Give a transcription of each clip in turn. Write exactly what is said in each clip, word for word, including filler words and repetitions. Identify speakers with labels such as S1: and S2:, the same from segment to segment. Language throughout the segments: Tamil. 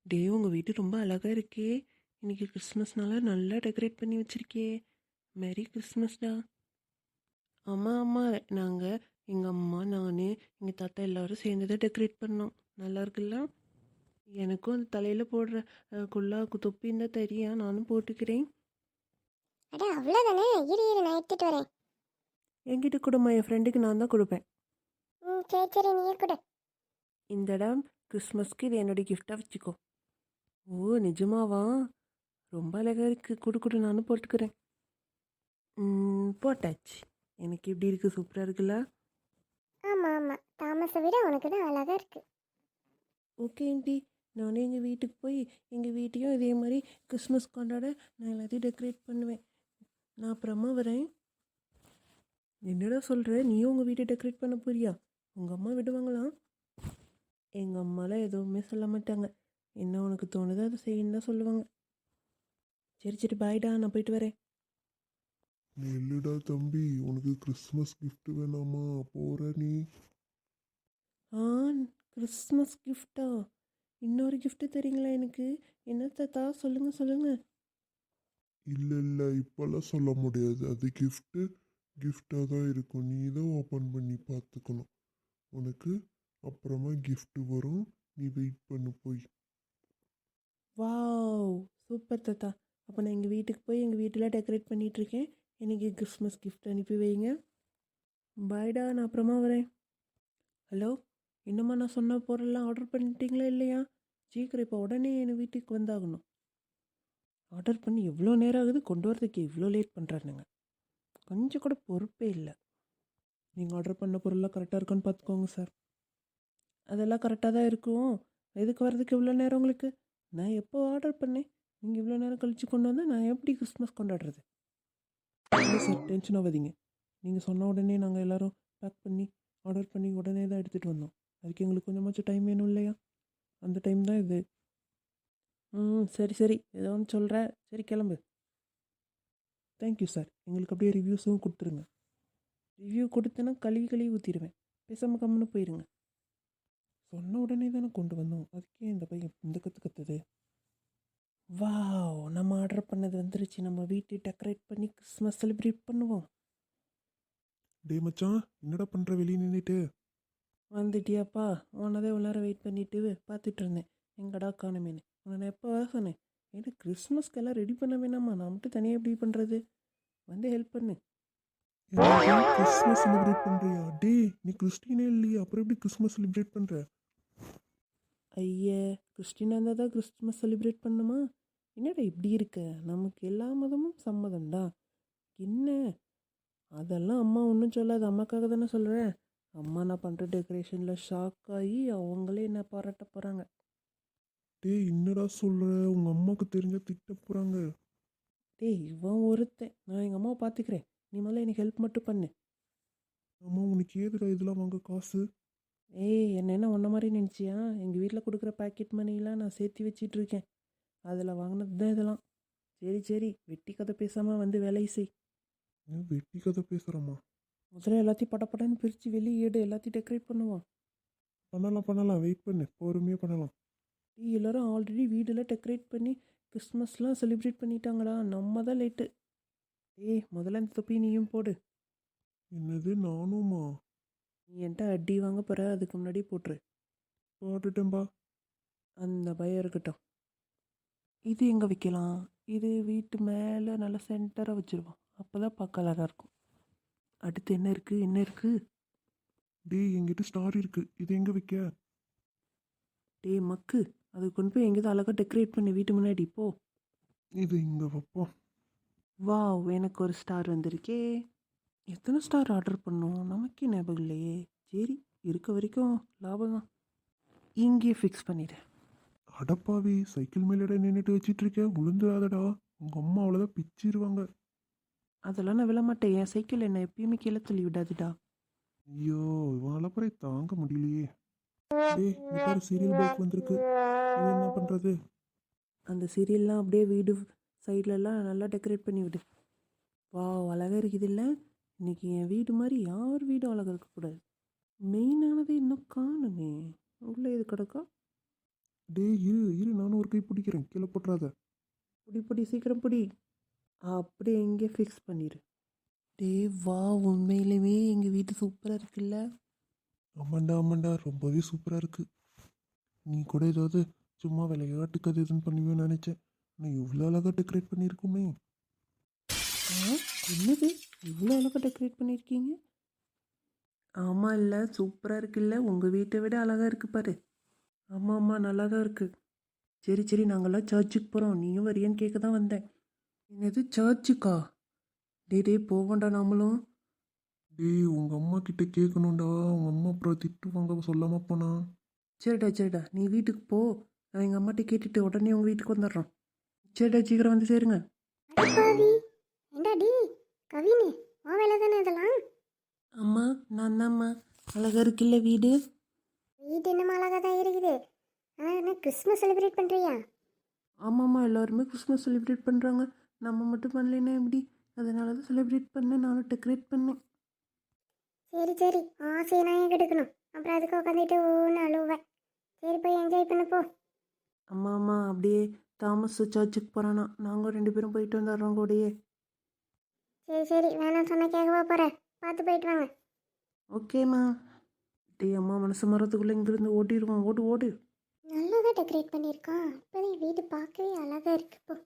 S1: டே உங்கள் வீடு ரொம்ப அழகாக இருக்கே. இன்னைக்கு கிறிஸ்மஸ்னால நல்லா டெக்கரேட் பண்ணி வச்சிருக்கே. மேரி கிறிஸ்மஸ்டா. ஆமாம் ஆமாம், நாங்கள் எங்கள் அம்மா நான் எங்கள் தாத்தா எல்லாரும் சேர்ந்து தான் டெக்கரேட் பண்ணோம். நல்லா இருக்குல்ல. எனக்கும் அந்த தலையில் போடுற அஹ், குல்லா கு- தொப்பின்னு தான் தெரியும், நானும் போட்டுக்கிறேன்.
S2: அட அவ்வளோதானே. இரு இரு நான் எடுத்துட்டு வரேன்.
S1: என்கிட்ட கொடுமா, என் ஃப்ரெண்டுக்கு நான் தான் கொடுப்பேன்.
S2: ம் சரி சரி நீயே கொடு.
S1: இந்த இடம் கிறிஸ்மஸ்க்கு இது என்னுடைய கிஃப்டாக வச்சுக்கோ. ஓ நிஜமாவா? ரொம்ப அழகாக இருக்குது. கொடு கொடு, நானும் போட்டுக்கிறேன். ம், போட்டாச்சு. எனக்கு எப்படி இருக்குது? சூப்பராக இருக்குல்ல.
S2: ஆமாம் ஆமாம், தாமஸை விட உனக்கு தான் அழகாக இருக்கு.
S1: ஓகே ஆண்டி, நானே எங்கள் வீட்டுக்கு போய் எங்கள் வீட்டையும் இதே மாதிரி கிறிஸ்மஸ் கொண்டாட நான் எல்லாத்தையும் டெக்கரேட் பண்ணுவேன். நான் அப்புறமா வரேன். என்னடா சொல்கிற? நீயும் உங்கள் வீட்டை டெக்கரேட் பண்ண போறியா? உங்கள் அம்மா விடுவாங்களா? எங்கள் அம்மாலாம் எதுவுமே சொல்ல மாட்டாங்க. என்ன உனக்கு தோணுதோ அதை செய்யணும் தான் சொல்லுவாங்க. சரி சரி, பாய்டா, நான் போயிட்டு வரேன்.
S3: இல்லடா தம்பி, உனக்கு கிறிஸ்மஸ் gift வேணாமா? போற நீ?
S1: ஆ, கிறிஸ்மஸ் கிஃப்டா? இன்னொரு கிஃப்ட்டு தரீங்களா எனக்கு? என்ன தாத்தா? சொல்லுங்கள் சொல்லுங்கள்.
S3: இல்ல இல்ல, இப்பெல்லாம் சொல்ல முடியாது. அது gift gift-ஆ தான் இருக்கும். நீ தான் ஓப்பன் பண்ணி பார்த்துக்கணும். உனக்கு அப்புறமா gift வரும். நீ வெயிட் பண்ணு போய்.
S1: வாவ், சூப்பர் தாத்தா. அப்போ நான் எங்கள் வீட்டுக்கு போய் எங்கள் வீட்டில் டெக்கரேட் பண்ணிகிட்ருக்கேன். எனக்கு கிறிஸ்மஸ் கிஃப்ட் அனுப்பி வைங்க. பாய்டா, நான் அப்புறமா வரேன். ஹலோ, இன்னுமா நான் சொன்ன பொருள்லாம் ஆர்டர் பண்ணிட்டீங்களா இல்லையா? சீக்கிரம் இப்போ உடனே என் வீட்டுக்கு வந்தாகணும். ஆர்டர் பண்ணி எவ்வளோ நேரம் ஆகுது, கொண்டு வரதுக்கு இவ்வளோ லேட் பண்ணுறானுங்க. கொஞ்சம் கூட பொறுப்பே இல்லை. நீங்கள் ஆர்டர் பண்ண பொருள்லாம் கரெக்டாக இருக்கான்னு பார்த்துக்கோங்க சார். அதெல்லாம் கரெக்டாக தான் இருக்கும். எதுக்கு வர்றதுக்கு இவ்வளோ நேரம் உங்களுக்கு? நான் எப்போ ஆர்டர் பண்ணேன்? நீங்கள் இவ்வளோ நேரம் கழித்து கொண்டு வந்தால் நான் எப்படி கிறிஸ்மஸ் கொண்டாடுறது? இல்லை சார், டென்ஷன் ஆகாதீங்க. நீங்கள் சொன்ன உடனே நாங்கள் எல்லோரும் பேக் பண்ணி ஆர்டர் பண்ணி உடனே தான் எடுத்துகிட்டு வந்தோம். அதுக்கு எங்களுக்கு கொஞ்சமாச்சும் டைம் வேணும் இல்லையா? அந்த டைம் தான் இது. ம் சரி சரி, ஏதோ ஒன்று சொல்கிற. சரி கிளம்பு. Thank you sir. எங்களுக்கு அப்படியே ரிவ்யூஸும் கொடுத்துருங்க. ரிவ்யூ கொடுத்தேன்னா கழுவி கழுவி ஊற்றிடுவேன். பேசாமல் கம்முன்னு போயிருங்க. சொன்ன உடனே தானே கொண்டு வந்தோம், அதுக்கே இந்த பையன் இந்த கற்று கற்றுது. வாவ், நம்ம ஆர்டர் பண்ணது வந்துருச்சு. நம்ம வீட்டை டெக்கரேட் பண்ணி கிறிஸ்மஸ் செலிப்ரேட் பண்ணுவோம்.
S3: டே மச்சான், என்னடா பண்ற வெளியே நின்றுட்டு?
S1: வந்துட்டியாப்பா? உன்னதே இவ்வளோ நேரம் வெயிட் பண்ணிட்டு பார்த்துட்டு இருந்தேன். எங்கடா காணுமேனு. உன்னை நான் எப்போ வர சொன்னேன்? ஏன்னா கிறிஸ்மஸ்க்கெல்லாம் ரெடி பண்ண வேணாமா? நான் மட்டும் தனியாக எப்படி பண்ணுறது? வந்து ஹெல்ப் பண்ணு.
S3: கிறிஸ்மஸ் செலிப்ரேட் பண்றியா? டே, நீ கிறிஸ்டினே இல்லையா? அப்புறம் எப்படி கிறிஸ்மஸ் செலிப்ரேட் பண்ற?
S1: ஐயே, கிறிஸ்டினாக இருந்தால் தான் கிறிஸ்மஸ் செலிப்ரேட் பண்ணுமா? என்னடா இப்படி இருக்க? நமக்கு எல்லா மதமும் சம்மதம்டா. என்ன அதெல்லாம் அம்மா ஒன்றும் சொல்லாது. அம்மாக்காக தானே சொல்கிறேன். அம்மா நான் பண்ணுற டெக்கரேஷனில் ஷாக் ஆகி அவங்களே என்ன பாராட்ட போகிறாங்க.
S3: டேய், என்னடா சொல்ற? உங்க அம்மாவுக்கு தெரிஞ்சா திட்ட போறாங்க.
S1: டேய், இவன் ஒருத்தன். நான் எங்கள் அம்மாவை பார்த்துக்கிறேன். நீ முதல்ல எனக்கு ஹெல்ப் மட்டும் பண்ணு.
S3: அம்மா, உனக்கு ஏதுடா இதெல்லாம் வாங்க காசு?
S1: ஏய், என்ன என்ன ஒன்றை மாதிரி நினச்சியா? எங்கள் வீட்டில் கொடுக்குற பாக்கெட் மணிலாம் நான் சேர்த்து வச்சிட்டு இருக்கேன். அதில் வாங்கினது தான் இதெல்லாம். சரி சரி, வெட்டி கதை பேசாமல் வந்து வேலையை செய்.
S3: ஏன் வெட்டி கதை பேசுறம்மா?
S1: முதல்ல எல்லாத்தையும் படப்படன்னு பிரித்து வெளியே எடு. எல்லாத்தையும் டெக்கரேட் பண்ணுவோம்.
S3: பண்ணலாம் பண்ணலாம், வெயிட் பண்ணு, பொறுமையாக பண்ணலாம்.
S1: டீ எல்லோரும் ஆல்ரெடி வீடெல்லாம் டெக்கரேட் பண்ணி கிறிஸ்மஸ்லாம் செலிப்ரேட் பண்ணிட்டாங்கடா. நம்ம தான் லேட்டு. ஏய், முதல்ல இந்த தொப்பி நீயும் போடு.
S3: என்னது, நானுமா?
S1: நீ என்கிட்ட அடி வாங்க போகிற, அதுக்கு முன்னாடி போட்டுரு.
S3: பாட்டுட்டேன்பா.
S1: அந்த பயம் இருக்கட்டும். இது எங்கே வைக்கலாம்? இது வீட்டு மேலே நல்லா சென்டராக வச்சுருவோம். அப்போ தான் பார்க்க அழகாக இருக்கும். அடுத்து என்ன இருக்குது என்ன இருக்குது?
S3: டேய், என்கிட்ட ஸ்டார் இருக்கு, இது எங்க வைக்க?
S1: டே மக்கு, அது கொண்டு போய் எங்கேயாவது அழகாக டெக்கரேட் பண்ணி வீட்டு முன்னாடி போ.
S3: இது இங்க வைப்போம்.
S1: வாவ், எனக்கு ஒரு ஸ்டார் வந்திருக்கே. எத்தனை ஸ்டார் ஆர்டர் பண்ணோம்? நமக்கே ஞாபகம் இல்லையே. சரி, இருக்க வரைக்கும் லாபம் தான். இங்கேயே ஃபிக்ஸ் பண்ணிடு.
S3: அடப்பாவி, சைக்கிள் மேலடா நின்றுட்டு வச்சிட்டு இருக்க, விழுந்துடாதடா. உங்க அம்மா அவ்வளோதான் பிச்சிருவாங்க.
S1: அதெல்லாம் நான் விழமாட்டேன். என் சைக்கிள் என்னை எப்பயுமே கீழே தள்ளி விடாதுடா.
S3: ஐயோ, இவன் அலப்பறை தாங்க முடியலையே. டேய், இங்க பாரு, சீரியல் பைக் வந்திருக்கு. இது என்ன பண்றது?
S1: அந்த சீரியல்லாம் அப்படியே வீடு சைட்லலாம் நல்லா டெக்கரேட் பண்ணி விடு. வாவ், அழகாக இருக்குது இல்லை? இன்றைக்கி என் வீடு மாதிரி யார் வீடும் அழகாக இருக்கக்கூடாது. மெயினானது இன்னும் காணுமே. உள்ளே இது கிடக்கா?
S3: டேய், இரு இரு, நானும் ஒரு ஒரு கை பிடிக்கிறேன், கீழே போட்டுறாத.
S1: பிடி பிடி சீக்கிரம் பிடி. அப்படியே எங்கே ஃபிக்ஸ் பண்ணிடு. டே வா, உண்மையிலுமே எங்கள் வீட்டு சூப்பராக இருக்குல்ல.
S3: ஆமாண்டா ஆமாண்டா, ரொம்பவே சூப்பராக இருக்குது. நீ கூட ஏதாவது சும்மா விளையாட்டுக்கு அது இதுன்னு பண்ணுவேன்னு நினச்சேன். நான் இவ்வளோ அழகாக டெக்கரேட் பண்ணியிருக்கோமே.
S1: ஆ, என்னது இவ்வளோ அழகாக டெக்கரேட் பண்ணியிருக்கீங்க? ஆமாம் இல்லை, சூப்பராக இருக்குல்ல. உங்கள் வீட்டை விட அழகாக இருக்கு பாரு. ஆமாம் ஆமாம், நல்லா தான் இருக்குது. சரி சரி, நாங்கள்லாம் சர்ச்சுக்கு போகிறோம், நீயும் வரியான்னு கேட்க தான் வந்தேன். என்னது சர்ச்சுக்கா? டே டே போவோண்டா நாமளும்.
S3: டேய், உங்கள் அம்மா கிட்ட கேட்கணும்டா. உங்கள் அம்மா அப்புறம் திட்டுவாங்க சொல்லாமல் போனா.
S1: சரிடா சரிடா, நீ வீட்டுக்கு போ. நான் எங்கள் அம்மாட்ட கேட்டுட்டு உடனே உங்கள் வீட்டுக்கு வந்துடுறோம். சரிடா, சீக்கிரம் வந்து சேருங்க.
S2: அடப்பாவி, ஏண்டா டி கவினு, உன் வேலை தானே இதெல்லாம்.
S1: அம்மா, நான் தான்ம்மா. அழகாக இருக்குல்ல வீடு.
S2: வீட்டு என்னமா அழகாக தான் இருக்குது. ஆனால் என்ன கிறிஸ்மஸ் செலிப்ரேட் பண்ணுறியா?
S1: ஆமாம்மா, எல்லாருமே கிறிஸ்மஸ் செலிப்ரேட் பண்ணுறாங்க. நம்ம மட்டும் பண்ணலைன்னா எப்படி? அதனால தான் செலிப்ரேட் பண்ணேன், நானும் டெக்கரேட் பண்ணேன்.
S2: சரி சரி, ஆசையை நான் ஏன் கெடுக்கணும்? அப்புறம் அதுக்கு உட்காந்துட்டு ஒன்று அழுவேன். சரி போய் என்ஜாய் பண்ண போ.
S1: அம்மா அம்மா, அப்படியே தாமஸ் சர்ச்சுக்கு போகிறானா, நாங்கள் ரெண்டு பேரும் போயிட்டு வந்துடுறோம் கூடயே.
S2: சரி சரி, வேணாம் சொன்ன கேட்கவா போகிறேன். பார்த்து போயிட்டு வாங்க.
S1: ஓகேம்மா. டே அம்மா, மனசு மரத்துக்குள்ளே இங்கேருந்து ஓட்டிடுவோம். ஓடு ஓடு.
S2: நல்லா தான் டெக்கரேட் பண்ணியிருக்கான். இப்போதான் வீடு பார்க்கவே அழகாக இருக்கு. இப்போ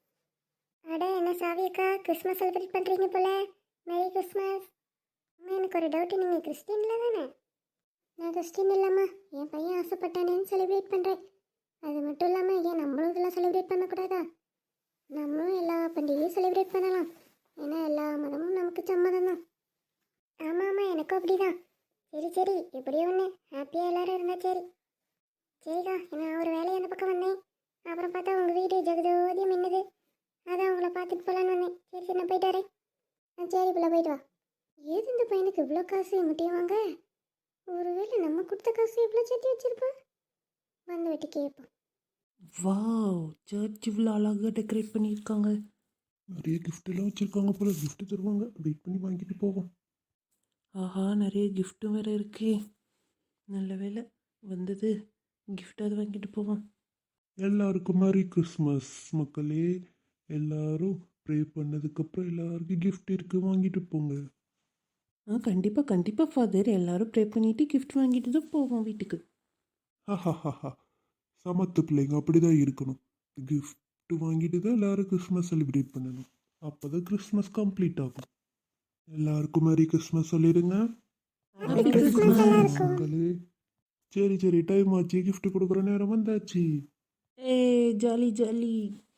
S2: அட என்ன சாவியக்கா, கிறிஸ்மஸ் செலிப்ரேட் பண்ணுறீங்க போல. Merry Christmas. அம்மா எனக்கு ஒரு டவுட்டு, நீங்கள் கிறிஸ்டின்ல தானே? நான் கிறிஸ்டின் இல்லைம்மா, என் பையன் ஆசைப்பட்டானேன்னு செலிப்ரேட் பண்ணுறேன். அது மட்டும் இல்லாமல் ஏன் நம்மளும் இதெல்லாம் செலிப்ரேட் பண்ணக்கூடாதா? நம்மளும் எல்லா பண்டிகையும் செலிப்ரேட் பண்ணலாம். ஏன்னா எல்லா மதமும் நமக்கு சம்மதம் தான். ஆமாம் ஆமாம், எனக்கும் அப்படி தான். சரி சரி, எப்படியோ ஒன்று ஹாப்பியாக எல்லோரும் இருந்தால் சரி. சரிக்கா, நான் ஒரு வேலையை அந்த பக்கம் வந்தேன். அப்புறம் பார்த்தா உங்கள் வீடு ஜெகதோதியம் மின்னுது. அதான் உங்களை பார்த்துட்டு போகலான்னு வந்தேன். சரி சரி, நான் போயிட்டு வரேன். ஆ சரி பிள்ளை, போயிட்டு வா. ஏது இந்த பையனுக்கு இவ்வளோ காசு முட்டையும் வாங்க? ஒருவேளை நம்ம கொடுத்த காசு இவ்வளோ சேர்த்து வச்சிருப்பான். வந்து விட்டு கேட்போம்.
S1: வாவ், சர்ச் இவ்வளோ அழகாக டெக்கரேட் பண்ணியிருக்காங்க.
S3: நிறைய gift எல்லாம் வச்சுருக்காங்க போல. gift தருவாங்க, வெயிட் பண்ணி வாங்கிட்டு போவோம்.
S1: ஆஹா, நிறைய கிஃப்ட்டும் வேறு இருக்கே. நல்ல வேலை வந்தது, கிஃப்டாவது வாங்கிட்டு போவோம்.
S3: எல்லாருக்கும் மேரி கிறிஸ்மஸ் மக்களே. எல்லாரும் ப்ரே பண்ணதுக்கப்புறம் எல்லாருக்கும் gift இருக்கு, வாங்கிட்டு போங்க.
S1: ஆ கண்டிப்பாக கண்டிப்பாக ஃபாதர், எல்லாரும் ப்ரே பண்ணிவிட்டு கிஃப்ட் வாங்கிட்டு தான் போவோம் வீட்டுக்கு.
S3: ஹஹஹஹா, சமத்து பிள்ளைங்க அப்படிதான் இருக்கணும். gift வாங்கிட்டு தான் எல்லாரும் கிறிஸ்மஸ் செலிப்ரேட் பண்ணணும். அப்போ தான் கிறிஸ்மஸ் கம்ப்ளீட் ஆகும். எல்லாருக்கும் மேரி கிறிஸ்மஸ் சொல்லிடுங்க
S2: Happy Christmas எல்லாருக்கும்.
S3: மக்களே. சரி சரி, டைம் ஆச்சு, gift கொடுக்குற நேரம் வந்தாச்சு.
S1: ஏ ஜாலி ஜாலி.